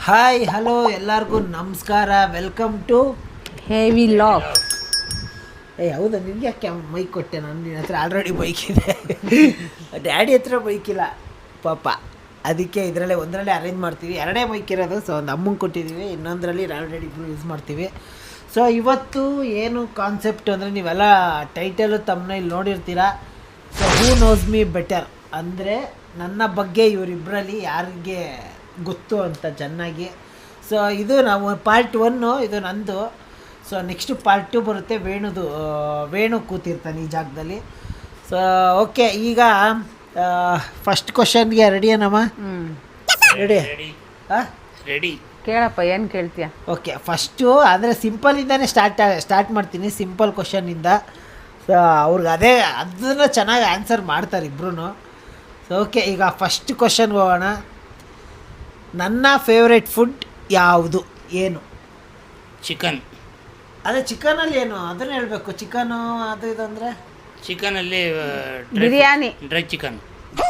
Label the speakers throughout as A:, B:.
A: Hi hello ಎಲ್ಲರಿಗೂ ನಮಸ್ಕಾರ. Welcome to
B: heavy log.
A: ಹೌದಾ, ನಿನಗೆ ಯಾಕೆ ಮೈಕ್ ಕೊಟ್ಟೆ? ನಾನು ನಿನ್ನ ಹತ್ರ ಆಲ್ರೆಡಿ ಬೈಕ್ ಇದೆ. ಡ್ಯಾಡಿ ಹತ್ರ ಬೈಕ್ ಇಲ್ಲ ಪಾಪ, ಅದಕ್ಕೆ ಇದರಲ್ಲೇ ಒಂದರಲ್ಲೇ ಅರೇಂಜ್ ಮಾಡ್ತೀವಿ. ಎರಡೇ ಬೈಕ್ ಇರೋದು. ಸೊ ಒಂದು ಅಮ್ಮಂಗೆ ಕೊಟ್ಟಿದ್ದೀವಿ, ಇನ್ನೊಂದರಲ್ಲಿ ಆಲ್ರೆಡಿ ಇಬ್ಬರು ಯೂಸ್ ಮಾಡ್ತೀವಿ. ಸೊ ಇವತ್ತು ಏನು ಕಾನ್ಸೆಪ್ಟ್ ಅಂದರೆ, ನೀವೆಲ್ಲ ಟೈಟಲು ತಮ್ಮನೇಲಿ ನೋಡಿರ್ತೀರ. So who knows me better ಅಂದರೆ ನನ್ನ ಬಗ್ಗೆ ಇವರಿಬ್ಬರಲ್ಲಿ ಯಾರಿಗೆ ಗೊತ್ತು ಅಂತ ಚೆನ್ನಾಗಿ. ಸೊ ಇದು ನಾವು ಪಾರ್ಟ್ 1, ಇದು ನಂದು. ಸೊ ನೆಕ್ಸ್ಟು ಪಾರ್ಟ್ 2 ಬರುತ್ತೆ. ವೇಣು ಕೂತಿರ್ತಾನೆ ಈ ಜಾಗದಲ್ಲಿ. ಸೊ ಓಕೆ, ಈಗ ಫಸ್ಟ್ ಕ್ವಶನ್ಗೆ ರೆಡಿಯೇನಮ್ಮ? ರೆಡಿ? ಹಾಂ
B: ರೆಡಿ. ಕೇಳಪ್ಪ, ಏನು ಕೇಳ್ತೀಯ?
A: ಓಕೆ, ಫಸ್ಟು ಅಂದರೆ ಸಿಂಪಲಿಂದನೇ ಸ್ಟಾರ್ಟ್ ಮಾಡ್ತೀನಿ, ಸಿಂಪಲ್ ಕ್ವಶನಿಂದ. ಸೊ ಅವ್ರಿಗೆ ಅದನ್ನು ಚೆನ್ನಾಗಿ ಆನ್ಸರ್ ಮಾಡ್ತಾರೆ ಇಬ್ಬರೂ. ಸೊ ಓಕೆ, ಈಗ ಫಸ್ಟ್ ಕ್ವಶನ್ಗೆ ಹೋಗೋಣ. ನನ್ನ ಫೇವ್ರೆಟ್ ಫುಡ್ ಯಾವುದು? ಏನು?
C: ಚಿಕನ್.
A: ಅದೇ ಚಿಕನಲ್ಲಿ ಏನು ಅದನ್ನು ಹೇಳಬೇಕು. ಚಿಕನು ಅದು ಇದು ಅಂದರೆ
C: ಚಿಕನಲ್ಲಿ
B: biryani.
C: Dry chicken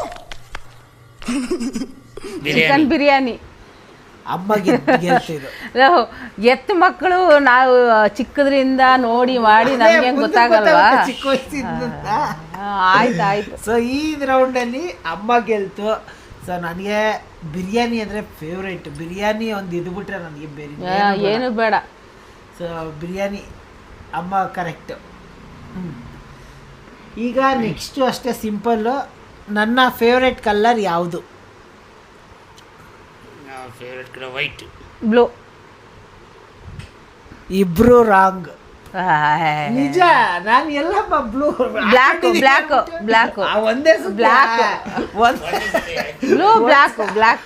B: chicken biryani.
A: ಅಮ್ಮಗೆ ಗೆಲ್ತಿದ್ದು.
B: ಎತ್ತು ಮಕ್ಕಳು ನಾವು ಚಿಕ್ಕದ್ರಿಂದ ನೋಡಿ ಮಾಡಿ ನಮ್ಗೆ ಗೊತ್ತಾಗಲ್ವಾ?
A: ಚಿಕ್ಕ ವಯಸ್ಸಿಂದ.
B: ಆಯ್ತು.
A: ಸೊ ಈ ರೌಂಡಲ್ಲಿ ಅಮ್ಮ ಗೆಲ್ತು. ಸೊ ನನಗೆ ಬಿರಿಯಾನಿ ಅಂದರೆ ಫೇವ್ರೇಟ್. ಬಿರಿಯಾನಿ ಒಂದು ಇದ್ಬಿಟ್ರೆ ನನಗೆ ಬೇರೆ
B: ಏನು ಬೇಡ.
A: ಸೊ ಬಿರಿಯಾನಿ ಅಮ್ಮ ಕರೆಕ್ಟು. ಈಗ ನೆಕ್ಸ್ಟು ಅಷ್ಟೇ ಸಿಂಪಲ್ಲು. ನನ್ನ ಫೇವ್ರೇಟ್ ಕಲರ್ ಯಾವುದು?
C: Favourite colour white.
B: ಬ್ಲೂ.
A: ಇಬ್ರು ರಾಂಗ್. ನಿಜ, ನಾನು ಎಲ್ಲಮ್ಮ ಬ್ಲೂ.
B: ಬ್ಲ್ಯಾಕ್
A: ಒಂದೇ
B: ಬ್ಲ್ಯಾಕ್ ಬ್ಲೂ ಬ್ಲ್ಯಾಕ್.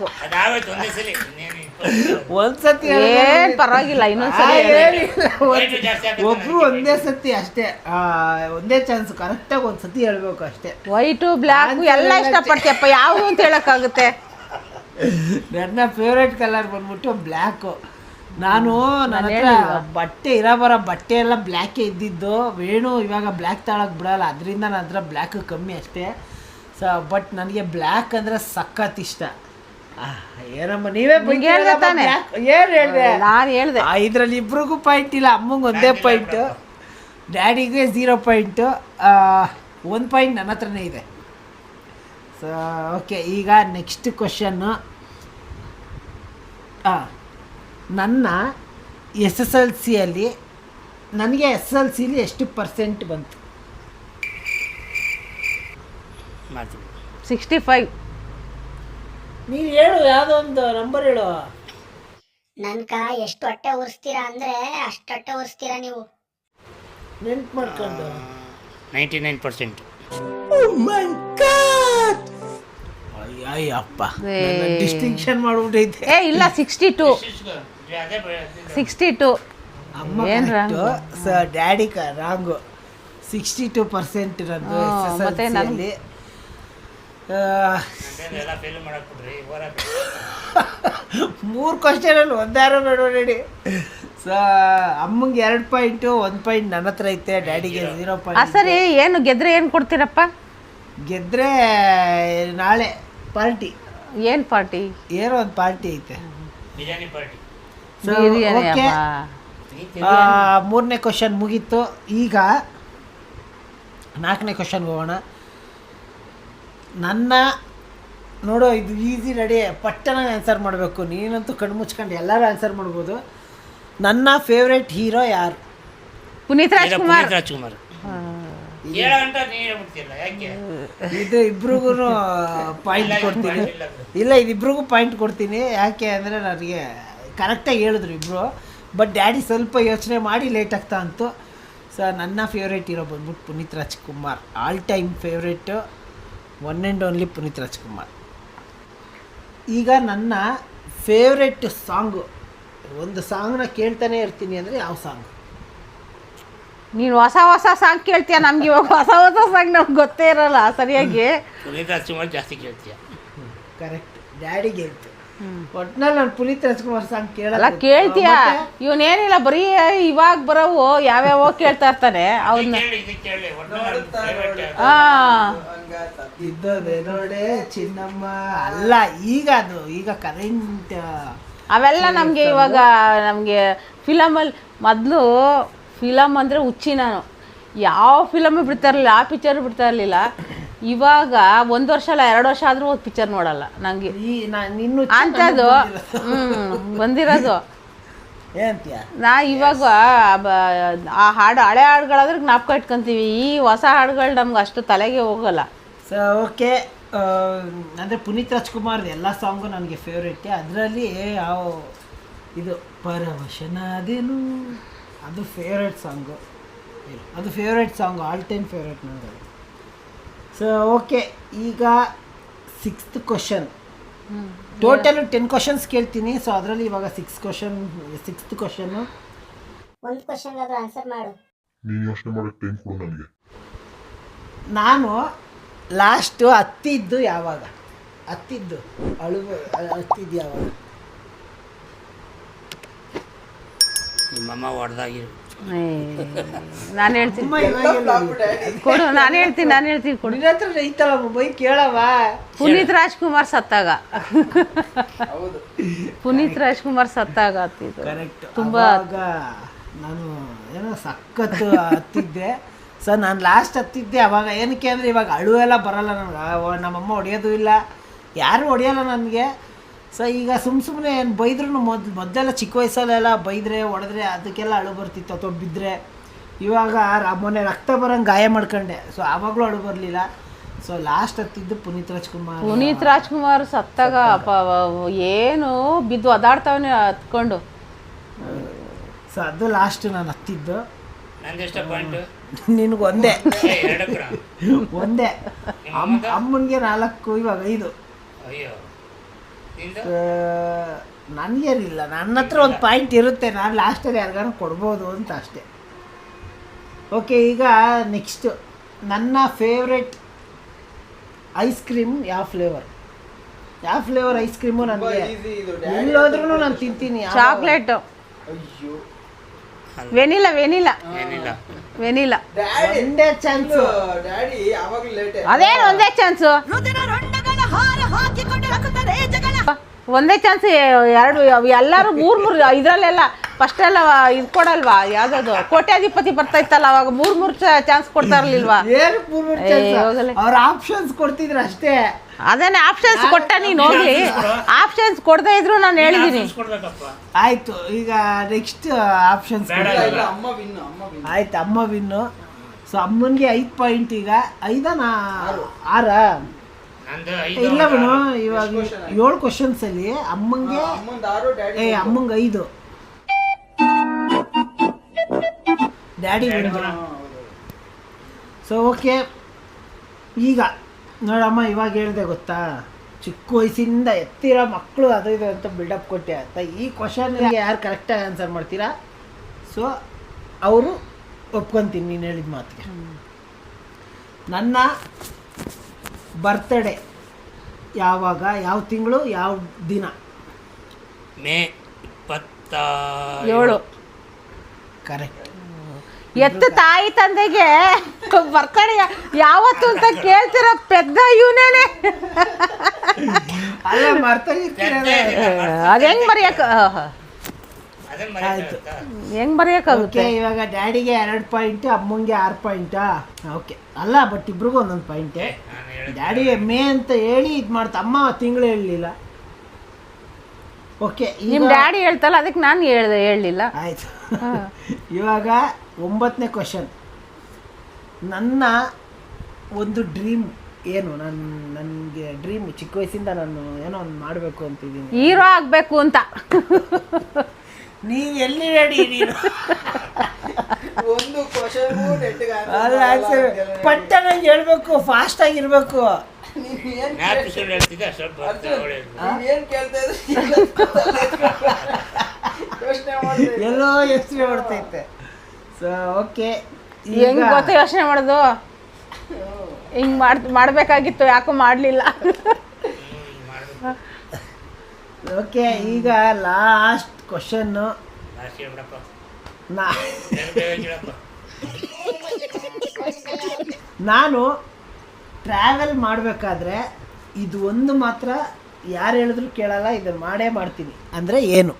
A: ಒಂದ್ಸತಿ
B: ಏನ್ ಪರವಾಗಿಲ್ಲ, ಇನ್ನೊಂದ್ಸರಿ
A: ಒಬ್ರು ಒಂದೇ ಸತಿ ಅಷ್ಟೇ, ಒಂದೇ ಚಾನ್ಸ್. ಕರೆಕ್ಟಾಗಿ ಒಂದ್ಸತಿ ಹೇಳ್ಬೇಕು ಅಷ್ಟೇ.
B: ವೈಟು ಬ್ಲ್ಯಾಕ್ ಎಲ್ಲ ಇಷ್ಟಪಡ್ತೀಯಪ್ಪ, ಯಾವುದು ಅಂತ ಹೇಳಕ್ಕಾಗುತ್ತೆ?
A: ನನ್ನ ಫೇವ್ರೇಟ್ ಕಲರ್ ಬಂದ್ಬಿಟ್ಟು ಬ್ಲ್ಯಾಕು. ನನ್ನ ಹತ್ರ ಬಟ್ಟೆ ಎಲ್ಲ ಬ್ಲ್ಯಾಕೇ ಇದ್ದಿದ್ದು. ವೇಣು ಇವಾಗ ಬ್ಲ್ಯಾಕ್ ತಗೊಳಕ್ಕೆ ಬಿಡಲ್ಲ, ಅದರಿಂದ ನನ್ನ ಹತ್ರ ಬ್ಲ್ಯಾಕ್ ಕಮ್ಮಿ ಅಷ್ಟೇ. ಸೊ ಬಟ್ ನನಗೆ ಬ್ಲ್ಯಾಕ್ ಅಂದರೆ ಸಖತ್ ಇಷ್ಟ. ಏನಮ್ಮ ನೀವೇ ಏನು ಹೇಳಿದೆ?
B: ನಾನು ಹೇಳಿದೆ.
A: ಇದರಲ್ಲಿ ಇಬ್ರಿಗೂ ಪಾಯಿಂಟ್ ಇಲ್ಲ. ಅಮ್ಮಂಗೆ ಒಂದೇ ಪಾಯಿಂಟು, ಡ್ಯಾಡಿಗೆ 0 ಪಾಯಿಂಟು, 1 ಪಾಯಿಂಟ್ ನನ್ನ ಹತ್ರನೇ ಇದೆ. ಸೊ ಓಕೆ, ಈಗ ನೆಕ್ಸ್ಟ್ ಕ್ವಶನ್ನು. ನನ್ನ SSLCಯಲ್ಲಿ ನನಗೆ SSLCಲಿ ಎಷ್ಟು % ಬಂತು?
B: 65.
A: ನೀನು ಹೇಳು, ಯಾವುದೋ ಒಂದು ನಂಬರ್ ಹೇಳು.
D: ನನ್ಕ ಎಷ್ಟು ಹೊಟ್ಟೆ ಉರಿಸ್ತೀರಾ ಅಂದ್ರೆ ಅಷ್ಟು ಹೊಟ್ಟೆ ಉರಿಸ್ತೀರಾ ನೀವು.
A: ನೆನ್ಪು ಮಾಡ್ಕೊಂಡು
C: 99%.
A: ಅಯ್ಯಪ್ಪ, ಡಿಸ್ಟಿಂಕ್ಷನ್ ಮಾಡ್ಬಿಟ್ಟೈತೆ.
B: ಇಲ್ಲ 62.
A: ಅಮ್ಮ ಕರೆಕ್ಟು. So daddy wrong. 62% ಇರೋದು SSLCಯಲ್ಲಿ. 3 ಕ್ವಶನಲ್ಲಿ ಒಂದಾರು ನೋಡಿ. ಸೊ ಅಮ್ಮಂಗೆ 2 ಪಾಯಿಂಟು, 1 ಪಾಯಿಂಟ್ ನನ್ನ ಹತ್ರ ಐತೆ, ಡ್ಯಾಡಿಗೆ 0 ಪಾಯಿಂಟ್.
B: ಸರಿ, ಏನು ಗೆದ್ರೆ ಏನು ಕೊಡ್ತೀರಪ್ಪ?
A: ಗೆದ್ರೆ ನಾಳೆ ಪಾರ್ಟಿ.
B: ಏನು ಪಾರ್ಟಿ?
A: ಏನೋ ಒಂದು ಪಾರ್ಟಿ ಐತೆ,
C: ಬಿರಿಯಾನಿ ಪಾರ್ಟಿ.
A: ಸೊ ಓಕೆ, 3ನೇ ಕ್ವಶನ್ ಮುಗೀತು. ಈಗ 4ನೇ ಕ್ವಶನ್ಗೆ ಹೋಗೋಣ. ನನ್ನ ನೋಡೋ, ಇದು ಈಸಿ, ರೆಡಿ, ಪಟ್ಟನ ಆನ್ಸರ್ ಮಾಡಬೇಕು. ನೀನಂತೂ ಕಣ್ಣು ಮುಚ್ಕೊಂಡು ಎಲ್ಲರೂ ಆನ್ಸರ್ ಮಾಡ್ಬೋದು. ನನ್ನ ಫೇವ್ರೆಟ್ ಹೀರೋ ಯಾರು?
B: ಪುನೀತ್ ರಾಜ್ಕುಮಾರ್.
A: ಇದು ಇಬ್ರಿಗೂ ಪಾಯಿಂಟ್ ಕೊಡ್ತೀನಿ. ಇಲ್ಲ, ಇದಿಬ್ರಿಗೂ ಪಾಯಿಂಟ್ ಕೊಡ್ತೀನಿ. ಯಾಕೆ ಅಂದರೆ ನನಗೆ ಕರೆಕ್ಟಾಗಿ ಹೇಳಿದ್ರು ಇಬ್ಬರು, ಬಟ್ ಡ್ಯಾಡಿ ಸ್ವಲ್ಪ ಯೋಚನೆ ಮಾಡಿ ಲೇಟ್ ಆಗ್ತಾ ಅಂತು. ಸೊ ನನ್ನ ಫೇವ್ರೇಟ್ ಹೀರೋ ಬಂದ್ಬಿಟ್ಟು Puneeth Rajkumar. All time favourite, one and only Puneeth Rajkumar. ಈಗ ನನ್ನ ಫೇವ್ರೆಟ್ ಸಾಂಗು, ಒಂದು ಸಾಂಗ್ನ ಕೇಳ್ತಾನೆ ಇರ್ತೀನಿ ಅಂದರೆ ಯಾವ ಸಾಂಗ್?
B: ನೀನು ಹೊಸ ಸಾಂಗ್ ಕೇಳ್ತೀಯ. ನಮ್ಗೆ ಇವಾಗ ಹೊಸ ಸಾಂಗ್ ನಮ್ಗೆ ಗೊತ್ತೇ ಇರಲ್ಲ ಸರಿಯಾಗಿ.
C: ಪುನೀತ್ ರಾಜ್ಕುಮಾರ್ ಜಾಸ್ತಿ ಕೇಳ್ತೀಯ.
A: Correct, daddy ಗೆಲ್ತು. ಒಟ್ನಲ್ಲಿ ನಾನು ಪುನೀತ್ ರಾಜ್ಕುಮಾರ್ ಸಾಂಗ್ ಕೇಳಲ್ಲ.
B: ಕೇಳ್ತೀಯ? ಇವನೇನಿಲ್ಲ, ಬರೀ ಇವಾಗ ಬರೋವು ಯಾವ್ಯಾವ ಕೇಳ್ತಾ ಇರ್ತಾನೆ ಅವನ್ನ.
A: ಇದ್ದದೆ ನೋಡೆ ಚಿನ್ನಮ್ಮ ಅಲ್ಲ, ಈಗ ಅದು ಈಗ ಕರೆಂಟ್
B: ಅವೆಲ್ಲ ನಮಗೆ ಇವಾಗ ನಮಗೆ ಫಿಲಮಲ್ಲಿ ಮೊದಲು ಫಿಲಮ್ ಅಂದರೆ ಹುಚ್ಚಿ ನಾನು, ಯಾವ ಫಿಲಮು ಬಿಡ್ತಾ ಇರಲಿಲ್ಲ, ಯಾವ ಪಿಕ್ಚರ್ ಬಿಡ್ತಾ ಇರಲಿಲ್ಲ. ಇವಾಗ 1 ವರ್ಷ ಅಲ್ಲ 2 ವರ್ಷ ಆದರೂ ಒಂದು ಪಿಕ್ಚರ್ ನೋಡಲ್ಲ ನನಗೆ ಅಂಥದ್ದು. ಬಂದಿರೋದು
A: ಏನಂತೀಯ?
B: ನಾ ಇವಾಗ ಆ ಹಾಡು ಹಳೆ ಹಾಡುಗಳಾದ್ರೆ ಜ್ಞಾಪಕ ಇಟ್ಕೊತೀವಿ, ಈ ಹೊಸ ಹಾಡುಗಳು ನಮ್ಗೆ ಅಷ್ಟು ತಲೆಗೆ ಹೋಗಲ್ಲ.
A: ಸೊ ಓಕೆ, ಅಂದರೆ ಪುನೀತ್ ರಾಜ್ಕುಮಾರ್ ಎಲ್ಲ ಸಾಂಗು ನನಗೆ ಫೇವ್ರೇಟೆ. ಅದರಲ್ಲಿ ಯಾವ ಇದು ಪರವಶನಾದೇನು ಅದು ಫೇವ್ರೇಟ್ ಸಾಂಗು, ಅದು favourite song, all time favourite ನನಗೆ. ಸೊ ಓಕೆ, ಈಗ 6th ಕ್ವಶನ್. ಟೋಟಲ್ 10 ಕ್ವಶನ್ಸ್ ಕೇಳ್ತೀನಿ. ಸೊ ಅದರಲ್ಲಿ ಇವಾಗ 6th ಕ್ವಶನ್ನು.
D: ಒಂದು ಕ್ವಶನ್ಗಾದ್ರೂ ಆನ್ಸರ್ ಮಾಡು.
E: ನೀನು ಯೋಚನೆ ಮಾಡೋಕ್ಕೆ ಟೈಮ್ ಕೊಡು ನನಗೆ.
A: ನಾನು ಲಾಸ್ಟು ಹತ್ತಿದ್ದು ಯಾವಾಗ? ಹತ್ತಿದ್ದು ಯಾವಾಗ?
C: ನಿಮ್ಮಮ್ಮ ಹೊಡೆದಾಗಿರು.
B: ನಾನು ಹೇಳ್ತೀನಿ ಕೊಡು, ನಾನು ಹೇಳ್ತೀನಿ ಕೊಡು.
A: ನಿನ್ನ ಹತ್ರ ಐತಲ್ಲ ಮೊಬೈಲ್, ಕೇಳವ.
B: ಪುನೀತ್ ರಾಜ್ಕುಮಾರ್ ಸತ್ತಾಗ, ಪುನೀತ್ ರಾಜ್ಕುಮಾರ್ ಸತ್ತಾಗ ಹತ್ತಿದ್ದು.
A: ಕರೆಕ್ಟ್.
B: ತುಂಬಾ
A: ನಾನು ಏನೋ ಸಖತ್ತು ಹತ್ತಿದ್ದೆ. ಸೊ ನಾನು ಲಾಸ್ಟ್ ಹತ್ತಿದ್ದೆ ಅವಾಗ. ಏನಕ್ಕೆ ಅಂದರೆ ಇವಾಗ ಅಳುವೆಲ್ಲ ಬರಲ್ಲ ನನಗೆ, ನಮ್ಮಮ್ಮ ಹೊಡೆಯೋದು ಇಲ್ಲ, ಯಾರು ಹೊಡೆಯಲ್ಲ ನನಗೆ. ಸೊ ಈಗ ಸುಮ್ಮನೆ ಏನು ಬೈದ್ರೂ ಮೊದಲೆಲ್ಲ ಚಿಕ್ಕ ವಯಸ್ಸಲ್ಲೆಲ್ಲ ಬೈದರೆ ಹೊಡೆದ್ರೆ ಅದಕ್ಕೆಲ್ಲ ಅಳು ಬರ್ತಿತ್ತು, ಅಥವಾ ಬಿದ್ದರೆ. ಇವಾಗ ಮೊನ್ನೆ ರಕ್ತ ಬರೋಂಗೆ ಗಾಯ ಮಾಡ್ಕೊಂಡೆ, ಸೊ ಆವಾಗಲೂ ಅಳು ಬರಲಿಲ್ಲ. ಸೊ ಲಾಸ್ಟ್ ಹತ್ತಿದ್ದು ಪುನೀತ್ ರಾಜ್ಕುಮಾರ್ ಸತ್ತಾಗ ಏನು ಬಿದ್ದು ಒದಾಡ್ತಾವನೆ ಹತ್ಕೊಂಡು. ಸೊ ಅದು ಲಾಸ್ಟ್ ನಾನು ಹತ್ತಿದ್ದು.
C: ನಂದೆಷ್ಟ ಪಾಯಿಂಟ್?
A: ನಿನಗೆ ಒಂದೇ. ಒಂದೇ.
C: ಅಮ್ಮಂಗೆ
A: ಅಮ್ಮನಿಗೆ 4, ಇವಾಗ 5.
C: ಅಯ್ಯೋ,
A: ನನಗೇನಿಲ್ಲ, ನನ್ನ ಹತ್ರ ಒಂದು ಪಾಯಿಂಟ್ ಇರುತ್ತೆ, ನಾನು ಲಾಸ್ಟಲ್ಲಿ ಯಾರಿಗಾರು ಕೊಡ್ಬೋದು ಅಂತ ಅಷ್ಟೇ. ಓಕೆ, ಈಗ ನೆಕ್ಸ್ಟು ನನ್ನ ಫೇವ್ರೆಟ್ ಐಸ್ ಕ್ರೀಮ್ ಯಾವ ಫ್ಲೇವರ್ ಐಸ್ ಕ್ರೀಮು ನನಗೆ ಎಲ್ಲೋದ್ರೂ ನಾನು ತಿಂತೀನಿ.
B: ಚಾಕ್ಲೇಟು, ವೆನಿಲಾ
A: ಒಂದೇ ಚಾನ್ಸು.
B: ಅದೇನು ಒಂದೇ ಚಾನ್ಸು? ಒಂದೇ ಚಾನ್ಸ್. ಎರಡು ಎಲ್ಲರೂ 3 ಇದರಲ್ಲೆಲ್ಲ ಫಸ್ಟೆಲ್ಲ ಇದು ಕೊಡಲ್ವಾ, ಯಾವುದದು ಕೋಟ್ಯಾಧಿಪತಿ ಬರ್ತಾ ಇತ್ತಲ್ಲ, ಅವಾಗ 3 ಚಾನ್ಸ್ ಕೊಡ್ತಾ ಇರಲಿಲ್ವಾ?
A: ಅವ್ರ ಆಪ್ಷನ್ಸ್ ಕೊಡ್ತಿದ್ರು ಅಷ್ಟೇ.
B: ಅದನ್ನೇ ಆಪ್ಷನ್ಸ್ ಕೊಟ್ಟ, ನೀನು ಹೋಗ್ಲಿ. ಆಪ್ಷನ್ಸ್ ಕೊಡದೇ ಇದ್ರು ನಾನು ಹೇಳಿದ್ದೀನಿ.
A: ಆಯ್ತು, ಈಗ ನೆಕ್ಸ್ಟ್ ಆಪ್ಷನ್ಸ್ ಆಯ್ತು. ಅಮ್ಮ ವಿನ್ನು. ಸೊ ಅಮ್ಮನಿಗೆ 5 ಪಾಯಿಂಟ್. ಈಗ 6 ಇಲ್ಲ ಬಿಡು, ಇವಾಗ 7 ಕ್ವಶನ್ಸ್ ಅಲ್ಲಿ ಅಮ್ಮಂಗೆ 5, ಡ್ಯಾಡಿ ವಿನ್ನು. ಸೊ ಓಕೆ, ಈಗ ನೋಡಮ್ಮ, ಇವಾಗ ಹೇಳಿದೆ ಗೊತ್ತಾ, ಚಿಕ್ಕ ವಯಸ್ಸಿಂದ ಎತ್ತಿರೋ ಮಕ್ಕಳು ಅದು ಇದು ಅಂತ ಬಿಲ್ಡಪ್ ಕೊಟ್ಟೆ ಅಂತ. ಈ ಕ್ವಶನ್ಗೆ ಯಾರು ಕರೆಕ್ಟಾಗಿ ಆನ್ಸರ್ ಮಾಡ್ತೀರಾ, ಸೊ ಅವರು ಒಪ್ಕೊತೀನಿ ನೀನು ಹೇಳಿದ ಮಾತಿಗೆ. ನನ್ನ ಬರ್ತ್ಡೇ ಯಾವಾಗ, ಯಾವ ತಿಂಗಳು, ಯಾವ ದಿನ?
C: ಮೇ 27.
A: ಕರೆಕ್ಟ್.
B: ಎತ್ತು ತಾಯಿ ತಂದೆಗೆ ಬರ್ತ್ಡೇ ಯಾವತ್ತು ಅಂತ ಕೇಳ್ತಿರೋ ಪೆದ್ದ ಇವನೇನೆ.
A: ಅಲ್ಲ ಮರ್ತೋಗಿರ್ತೀರಲ್ಲ.
B: ಅದು ಹೆಂಗ್ ಬರೆಯಕ್ಕೆ
A: ಆಯ್ತು,
B: ಹೆಂಗ್ ಬರೆಯೋಕ್ಕಾಗುತ್ತೆ?
A: ಇವಾಗ ಡ್ಯಾಡಿಗೆ 2 ಪಾಯಿಂಟ್, ಅಮ್ಮಂಗೆ 6 ಪಾಯಿಂಟಾ? ಓಕೆ, ಅಲ್ಲ ಬಟ್ ಇಬ್ರಿಗೂ ಒಂದೊಂದು ಪಾಯಿಂಟೇ. ಡ್ಯಾಡಿ ಮೇ ಅಂತ ಹೇಳಿ ಇದು ಮಾಡ್ತಾ, ಅಮ್ಮ ತಿಂಗಳು ಹೇಳಲಿಲ್ಲ. ಓಕೆ,
B: ನಿಮ್ಮ ಡ್ಯಾಡಿ ಹೇಳ್ತಲ್ಲ, ಅದಕ್ಕೆ ನಾನು ಹೇಳಲಿಲ್ಲ.
A: ಆಯ್ತು. ಇವಾಗ 9ನೇ ಕ್ವಶನ್. ನನ್ನ ಒಂದು ಡ್ರೀಮ್ ಏನು? ನನಗೆ ಡ್ರೀಮ್ ಚಿಕ್ಕ ವಯಸ್ಸಿಂದ ನಾನು ಏನೋ ಒಂದು ಮಾಡಬೇಕು ಅಂತಿದ್ದೀನಿ,
B: ಹೀರೋ ಆಗಬೇಕು ಅಂತ.
A: ನೀವು ಎಲ್ಲಿ ರೆಡಿ? ನೀನು
F: ಒಂದು ಕ್ವಶನ್
A: ಪಟ್ಟನಾಗಿ ಹೇಳ್ಬೇಕು, ಫಾಸ್ಟ್ ಆಗಿರ್ಬೇಕು. ಎಲ್ಲೋ ಯೋಚನೆ ಮಾಡ್ತೈತೆ. ಸೊ ಓಕೆ,
B: ಹೆಂಗ್ ಗೊತ್ತಾ ಯೋಚನೆ ಮಾಡೋದು? ಹಿಂಗ್ ಮಾಡ್ಬೇಕಾಗಿತ್ತು, ಯಾಕೋ ಮಾಡಲಿಲ್ಲ.
A: ಓಕೆ, ಈಗ ಲಾಸ್ಟ್ ಕ್ವಶನ್ನು. ನಾನು ಟ್ರಾವೆಲ್ ಮಾಡಬೇಕಾದ್ರೆ ಇದು ಒಂದು ಮಾತ್ರ ಯಾರು ಹೇಳಿದ್ರು ಕೇಳಲ್ಲ, ಇದನ್ನು ಮಾಡೇ ಮಾಡ್ತೀನಿ ಅಂದರೆ ಏನು?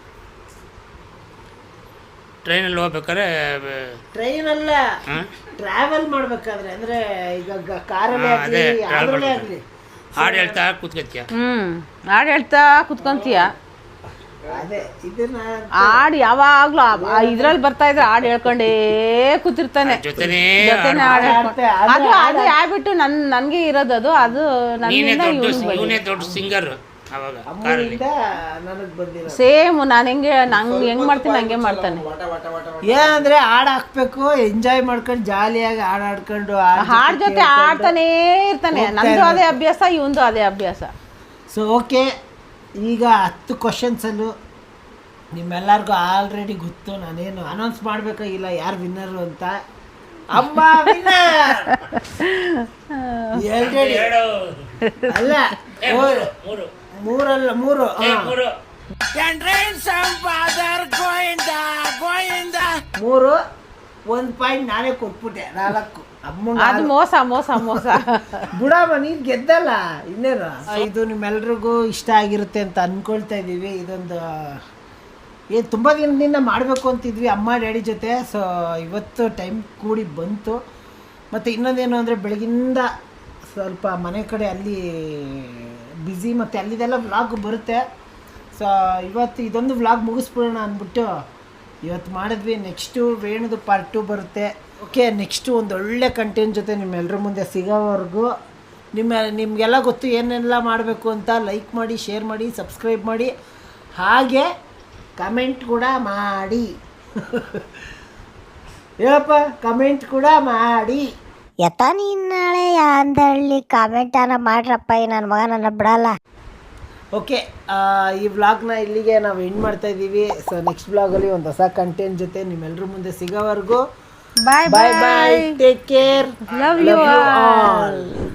C: ಟ್ರೈನಲ್ಲಿ ಹೋಗ್ಬೇಕಾದ್ರೆ
A: ಟ್ರೈನಲ್ಲ, ಟ್ರಾವೆಲ್ ಮಾಡ್ಬೇಕಾದ್ರೆ ಅಂದರೆ ಈಗ ಕಾರಲ್ಲೇ ಆಗಲಿ ಯಾವುದ್ರಲ್ಲೇ ಆಗಲಿ
C: ಹಾಡು ಹೇಳ್ತಾ ಕೂತ್ಕೊತ್ಯ.
B: ಹಾಡು ಹೇಳ್ತಾ ಕುತ್ಕೊಂತೀಯ.
A: ಅದೇ ಇದನ್ನ
B: ಹಾಡು ಯಾವಾಗ್ಲೂ ಇದ್ರಲ್ಲಿ ಬರ್ತಾ ಇದ್ರೆ ಹಾಡು ಹೇಳ್ಕೊಂಡೇ ಕೂತಿರ್ತಾನೆ,
C: ಜೊತೆನೇ
B: ಜೊತೆನೆ ಹಾಡು ಹೇಳ್ಕೊಂಡು. ಅದು ಅದು ಹ್ಯಾಬಿಟ್ಟು ನನ್ಗೆ ಇರೋದು. ಅದು
C: ನೀನೇ
B: ನನ್ನಿಂದ
C: ದೊಡ್ಡ ಇವನೇ ದೊಡ್ಡ ಸಿಂಗರ್ ಅವಾಗ ಕಾರಲ್ಲಿ.
A: ಅಮ್ಮನಿಂದ ನನಗೆ ಬಂದಿರೋ
B: ಸೇಮ್ ನಾನು ಹೆಂಗ್ ಮಾಡ್ತೀನಿ ಹಂಗೆ ಮಾಡ್ತಾನೆ.
A: ಏನಂದ್ರೆ ಹಾಡು ಹಾಕ್ಬೇಕು, ಎಂಜಾಯ್ ಮಾಡ್ಕೊಂಡು ಜಾಲಿಯಾಗಿ ಹಾಡು ಹಾಡ್ಕೊಂಡು
B: ಹಾಡ್ ಜೊತೆ ಆಡ್ತಾನೇ ಇರ್ತಾನೆ. ನಂದು ಅದೇ ಅಭ್ಯಾಸ, ಇವಂದು ಅದೇ ಅಭ್ಯಾಸ.
A: ಸೊ ಓಕೆ, ಈಗ 10 ಕ್ವಶನ್ಸಲ್ಲೂ ನಿಮ್ಮೆಲ್ಲರಿಗೂ ಆಲ್ರೆಡಿ ಗೊತ್ತು. ನಾನೇನು ಅನೌನ್ಸ್ ಮಾಡಬೇಕಾಗಿಲ್ಲ ಯಾರು ವಿನ್ನರು ಅಂತ. ಅಮ್ಮ ವಿನ್ನರ್ ಆಲ್ರೆಡಿ. ಅಲ್ಲ ಮೂರಲ್ಲ, ಮೂರು. ಮೂರು 1 ಪಾಯಿಂಟ್ ನಾನೇ ಕೊಟ್ಬಿಟ್ಟೆ. 4 ಅಮ್ಮಂಗೆ.
B: ಅದು ಮೋಸ ಮೋಸ ಮೋಸ.
A: ಬುಡಮ್ಮ ನೀನು ಗೆದ್ದಲ್ಲ, ಇನ್ನೇನು. ಇದು ನಿಮ್ಮೆಲ್ರಿಗೂ ಇಷ್ಟ ಆಗಿರುತ್ತೆ ಅಂತ ಅಂದ್ಕೊಳ್ತಾ ಇದ್ದೀವಿ. ಇದೊಂದು ಏನು ತುಂಬ ದಿನದಿಂದ ಮಾಡಬೇಕು ಅಂತಿದ್ವಿ ಅಮ್ಮ ಡ್ಯಾಡಿ ಜೊತೆ. ಸೊ ಇವತ್ತು ಟೈಮ್ ಕೂಡಿ ಬಂತು. ಮತ್ತು ಇನ್ನೊಂದೇನು ಅಂದರೆ ಬೆಳಗಿಂದ ಸ್ವಲ್ಪ ಮನೆ ಕಡೆ ಅಲ್ಲಿ ಬ್ಯುಸಿ, ಮತ್ತು ಅಲ್ಲಿದೆಲ್ಲ ವ್ಲಾಗ್ ಬರುತ್ತೆ. ಸೊ ಇವತ್ತು ಇದೊಂದು ವ್ಲಾಗ್ ಮುಗಿಸ್ಬಿಡೋಣ ಅಂದ್ಬಿಟ್ಟು ಇವತ್ತು ಮಾಡಿದ್ವಿ. ನೆಕ್ಸ್ಟು ವೇಣುದು ಪಾರ್ಟ್ 2 ಬರುತ್ತೆ. ಓಕೆ, ನೆಕ್ಸ್ಟು ಒಂದು ಒಳ್ಳೆ ಕಂಟೆಂಟ್ ಜೊತೆ ನಿಮ್ಮೆಲ್ಲರ ಮುಂದೆ ಸಿಗೋವರೆಗೂ ನಿಮಗೆಲ್ಲ ಗೊತ್ತು ಏನೆಲ್ಲ ಮಾಡಬೇಕು ಅಂತ. ಲೈಕ್ ಮಾಡಿ, ಶೇರ್ ಮಾಡಿ, ಸಬ್ಸ್ಕ್ರೈಬ್ ಮಾಡಿ, ಹಾಗೆ ಕಮೆಂಟ್ ಕೂಡ ಮಾಡಿ. ಹೇಳಪ್ಪ, ಕಮೆಂಟ್ ಕೂಡ ಮಾಡಿ.
D: ಯತ ನೀನ್ ನಾಳೆ ಅಂದಳ್ಳಿ ಕಾಮೆಂಟನ ಮಾಡ್ರಪ್ಪ, ನನ್ನ ಮಗ ನನ್ನ ಬಿಡಲ್ಲ.
A: ಓಕೆ, ಈ ವ್ಲಾಗ್ನ ಇಲ್ಲಿಗೆ ನಾವು ಎಂಡ್ ಮಾಡ್ತಾ ಇದ್ದೀವಿ. ಸೊ ನೆಕ್ಸ್ಟ್ ವ್ಲಾಗಲ್ಲಿ ಒಂದು ಹೊಸ ಕಂಟೆಂಟ್ ಜೊತೆ ನಿಮ್ಮೆಲ್ಲರ ಮುಂದೆ ಸಿಗೋವರೆಗೂ
B: bye
A: bye bye. Take care.
B: Love you all.